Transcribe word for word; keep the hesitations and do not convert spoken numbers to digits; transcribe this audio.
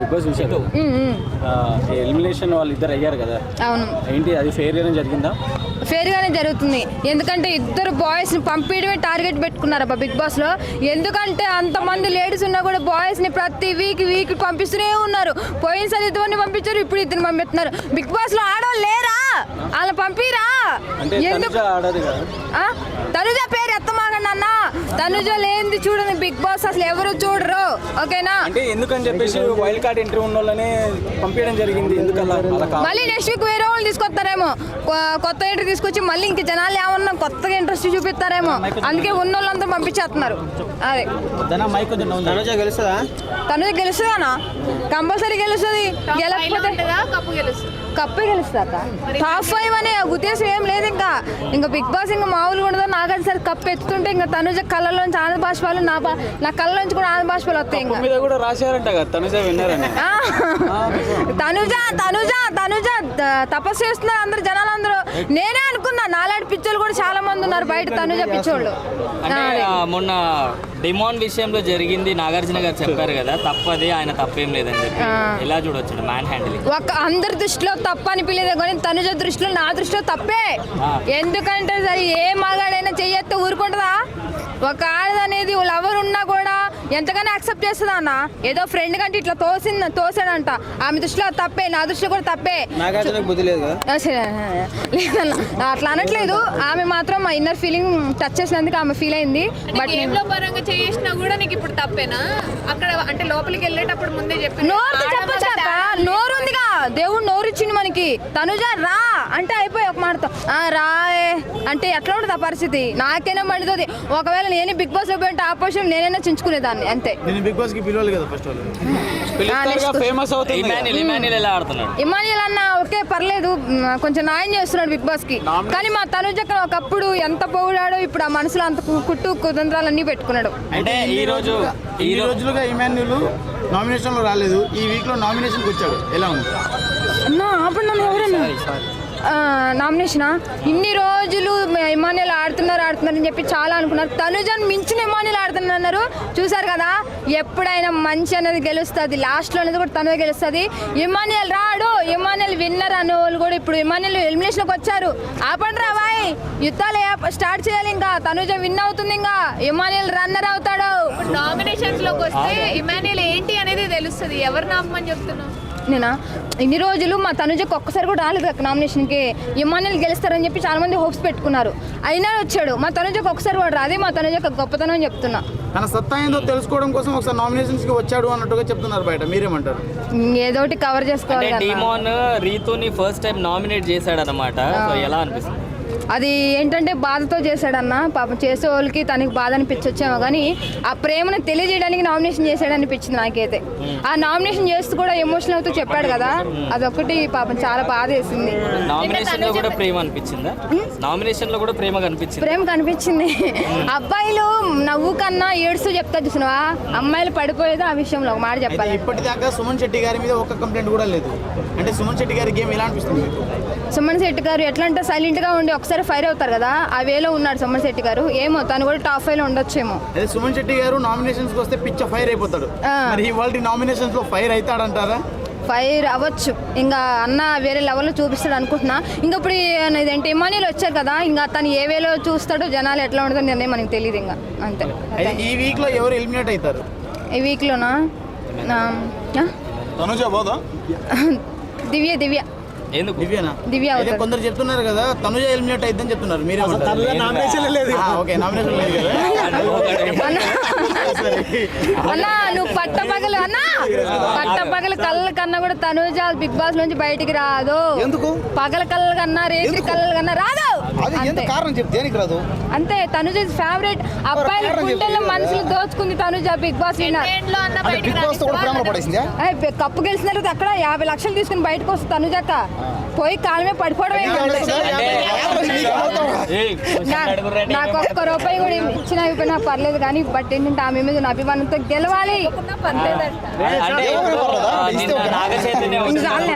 Because చూసారు elimination వాళ్ళు ఇద్దరు అయ్యారు కదా. అవును, ఏంటి అది ఫెయిర్ గానే జరిగిందా? ఫెయిర్ గానే జరుగుతుంది. ఎందుకంటే ఇద్దరు బాయ్స్ ని పంపించడమే టార్గెట్ పెట్టుకున్నారు అబ్బా బిగ్ బాస్ లో. ఎందుకంటే అంతమంది లేడీస్ ఉన్నా కూడా బాయ్స్ ని ప్రతి వీక్ వీక్ పంపిస్తూనే ఉన్నారు. పోయినసారి ఇద్దరిని పంపించారు, ఇప్పుడు ఇద్దరిని పంపిస్తున్నారు. బిగ్ బాస్ లో ఆడవాళ్ళు లేరా? అలా పంపిరా. తనుజ పేరు ఎత్తమాగండి అన్న. తనుజ లేనిది చూడండి బిగ్ బాస్ అసలు ఎవరు చూడరు. ఓకేనా? అంటే ఎందుకని చెప్పేసి వైల్డ్ కార్డ్ ఎంట్రీ ఉన్న వాళ్ళని పంపించడం జరిగింది. ఎందుకలా? మళ్ళీ నెక్స్ట్ వీక్ వేరే వాళ్ళు తీసుకొస్తారేమో, కొత్త ఎంట్రీ తీసుకొచ్చి మళ్ళీ ఇంక జనాలు ఏమన్నా కొత్తగా ఇంట్రెస్ట్ చూపిస్తారేమో, అందుకే ఉన్న వాళ్ళంతా పంపించేస్తున్నారు. అదే తనుజ గెలుస్తుందా? తనుజ గెలుస్తుందానా? కంపల్సరీ గెలుస్తుంది. గెలకపోతే కప్పే గెలుస్తాక టాప్ ఫైవ్ అనే ఉద్దేశం ఏం లేదు. ఇంకా ఇంకా బిగ్ బాస్ ఇంకా మామూలుగా ఉండదు. నాగార్జున సార్ కప్పు ఎత్తుతుంటే ఇంకా తనుజ కళ్ళలోంచి ఆనంద బాష్పాలు, నా నా కళ్ళలోంచి కూడా ఆనంద బాష్పాలు వస్తాయి. ఇంకా కూడా రాశారంట తనుజ విన్నారని. తనుజ తనుజ తనుజ తపస్సు చేస్తున్నారు అందరు జనాలు అందరూ. నేనే అనుకున్నా నాలాంటి పిచ్చోళ్ళు కూడా చాలా మంది ఉన్నారు బయట తనుజ పిచ్చోళ్ళు. మొన్న డిమాండ్ విషయంలో జరిగింది నాగార్జున గారు చెప్పారు కదా, తప్పది, ఆయన తప్పేం లేదని చెప్పి ఎలా చూడొచ్చు మ్యాన్ హ్యాండిలింగ్. ఒక అందరి దృష్టిలో తప్ప అనిపించలేదు కానీ తనుజ దృష్టిలో, నా దృష్టిలో తప్పే. ఎందుకంటే సరే ఏ మగాడైనా చెయ్యొస్తే ఊరుకుంటుందా? ఒక ఆడదనేది లవర్ ఉన్నా కూడా ఎంతగానో యాక్సెప్ట్ చేస్తుందా అన్న? ఏదో ఫ్రెండ్ కంటే ఇట్లా తోసింది తోసాడంట. ఆమె దృష్టిలో తప్పే, నా దృష్టిలో కూడా తప్పే. లేదన్న అట్లా అనట్లేదు. ఆమె మాత్రం మా ఇన్నర్ ఫీలింగ్ టచ్ చేసినందుకు ఆమె ఫీల్ అయింది. బట్ పరంగా చేసినా కూడా నీకు ఇప్పుడు తప్పేనా? అక్కడ అంటే లోపలికి వెళ్ళేటప్పుడు ముందే చెప్పి నోరు చెప్పొచ్చాక నోరు ఉందిగా, దేవుడు నోరు ఇచ్చింది మనకి. తనుజ రా అంటే అయిపోయి ఒక మాటతో రాయే అంటే ఎట్లా ఉంటుంది ఆ పరిస్థితి? నాకైనా మండుతుంది. ఒకవేళ నేనే బిగ్ బాస్ లో పోయింటే ఆ పొజిషన్ నేనైనా చించుకునేదాన్ని అంతే. బిగ్ బాస్ కి పిలవాలి కదా ఫస్ట్ ఫేమస్ అవుతుంది. ఇమాన్యుల్ అన్న ఓకే పర్లేదు, కొంచెం న్యాయం చేస్తున్నాడు బిగ్ బాస్ కి. కానీ మా తనుజ ఒకప్పుడు ఎంత పొగిడాడో ఇప్పుడు ఆ మనసులో అంత కుట్టు కుతంత్రాలన్నీ పెట్టుకున్నాడు. అంటే ఈ రోజు ఈ రోజులుగా ఇమాన్యుల్ నామినేషన్ లో రాలేదు, ఈ వీక్ లో నామినేషన్ వచ్చాడు. ఎలా ఉంది అన్నా? అప్పుడు నన్ను ఎవరన్నా నామినేషనా? ఇన్ని రోజులు ఇమాన్యుల్ ఆడుతున్నారు ఆడుతున్నారు అని చెప్పి చాలా అనుకున్నారు. తనుజను మించిన ఇమాన్యుల్ ఆడుతున్నారు అన్నారు. చూసారు కదా, ఎప్పుడైనా మంచి అనేది గెలుస్తుంది, లాస్ట్లో అనేది కూడా తనుజ గెలుస్తుంది. ఇమాన్యుల్ రాడు, ఇమాన్యుల్ విన్నర్ అనే వాళ్ళు కూడా ఇప్పుడు ఇమాన్యుల్ ఎలిమినేషన్కి వచ్చారు. ఆపండి రా బాయ్, యుద్ధాలు స్టార్ట్ చేయాలి. ఇంకా తనుజ విన్ అవుతుంది, ఇంకా ఇమాన్యుల్ రన్నర్ అవుతాడు. నామినేషన్స్ లోకి వస్తే ఇమాన్యుల్ ఏంటి అనేది తెలుస్తుంది. ఎవరు నామని చెప్తున్నావు? నేనా? ఇన్ని రోజులు మా తనుజకు ఒక్కసారి కూడా రాలేదు కదా నామినేషన్కి. ఇమాన్యుల్ గెలుస్తారని చెప్పి చాలా మంది హోప్స్ పెట్టుకున్నారు. అయినా వచ్చాడు. మా తనుజకు ఒక్కసారి కూడా రాదే. మా తనుజకు గొప్పతనం అని చెప్తున్నా. తన సత్తా ఏందో తెలుసుకోవడం కోసం ఒకసారి నామినేషన్స్ కి వచ్చాడు అన్నట్టుగా చెప్తున్నారు బయట. మీరేమంటారు? ఏదోటి కవర్ చేసుకోవాలి. డిమాన్ రీతుని ఫస్ట్ టైం నామినేట్ చేశాడు అనమాట. ఎలా అనిపిస్తుంది? అది ఏంటంటే బాధతో చేశాడన్న. పాపం చేసే వాళ్ళకి తనకి బాధ అనిపించొచ్చేమో కానీ ఆ ప్రేమను తెలియజేయడానికి నామినేషన్ చేశాడు అనిపించింది నాకైతే. ఆ నామినేషన్ చేస్తూ కూడా ఎమోషనల్ అవుతూ చెప్పాడు కదా, అదొకటి పాపం చాలా బాధ వేసింది. నామినేషన్ లో కూడా ప్రేమ అనిపించిందా? నామినేషన్ లో కూడా ప్రేమ కనిపించింది. ప్రేమ కనిపించింది. అబ్బాయిలు నవ్వు కన్నా ఏడుస్తూ చెప్తా చూసినవా, అమ్మాయిలు పడిపోయేది ఆ విషయంలో. ఒక మాట చెప్పాలి. ఇప్పటిదాకా సుమన్ శెట్టి గారి మీద ఒక్క కంప్లైంట్ కూడా లేదు. అంటే సుమన్ శెట్టి గారి గేమ్ ఎలా అనిపిస్తుంది? సుమన్ శెట్టి గారు ఎట్లా అంటే సైలెంట్ గా ఉండి ఒకసారి ఫైర్ అవుతారు కదా, ఆ వేలో ఉన్నాడు సుమన్ శెట్టి గారు. ఏమో తను కూడా టాప్ ఫైవ్ లో ఉండొచ్చేమో. సుమన్ శెట్టి గారు నామినేషన్స్ వస్తే పిచ్చ ఫైర్ అయిపోతాడు. మరి ఇవాళ నామినేషన్స్ లో ఫైర్ అవుతాడంటారా? ఫైర్ అవ్వచ్చు. ఇంకా అన్న వేరే లెవెల్లో చూపిస్తాడు అనుకుంటున్నా. ఇంకా ఇప్పుడు ఇదేంటి ఇమాన్యుల్ వచ్చారు కదా, ఇంకా తను ఏ వేలో చూస్తాడో, జనాలు ఎట్లా ఉంటుందో నిర్ణయం మనకి తెలియదు. ఇంకా అంతే. ఈ వీక్ లో ఎవరు ఎలిమినేట్ అవుతారు? ఈ వీక్ లోనా? తనుజ పోదా? దివ్య దివ్య దివ్యనా? దివ్య కొందరు చెప్తున్నారు కదా తనుజ ఎలిమినేట్ అయిద్దని చెప్తున్నారు. మీరే అన్నా నువ్వు పట్టపగలు అన్నా పట్టపగలు కళ్ళ కన్నా కూడా తనుజ బిగ్ బాస్ నుంచి బయటికి రాదు. ఎందుకు? పగల కళ్ళ కన్నా రేత్రి కళ్ళ కన్నా రాదు. కారణం చెప్తే దేనికి రాదు? అంతే. తనుజ ఫేవరెట్. అబ్బాయిల గుండెల్లో మనసులు దోచుకుంది Tanuja Bigg Boss winner. Cup గెలిచిన తర్వాత అక్కడ యాభై లక్షలు తీసుకుని బయటకు వస్తుంది తనుజక్క. పోయి కాలమే పడిపోవడమే. నాకు ఒక్క రూపాయి కూడా ఇచ్చిన అయిపోయినా పర్లేదు కానీ, బట్ ఏంటంటే ఆమె మీద అభిమానంతో గెలవాలి.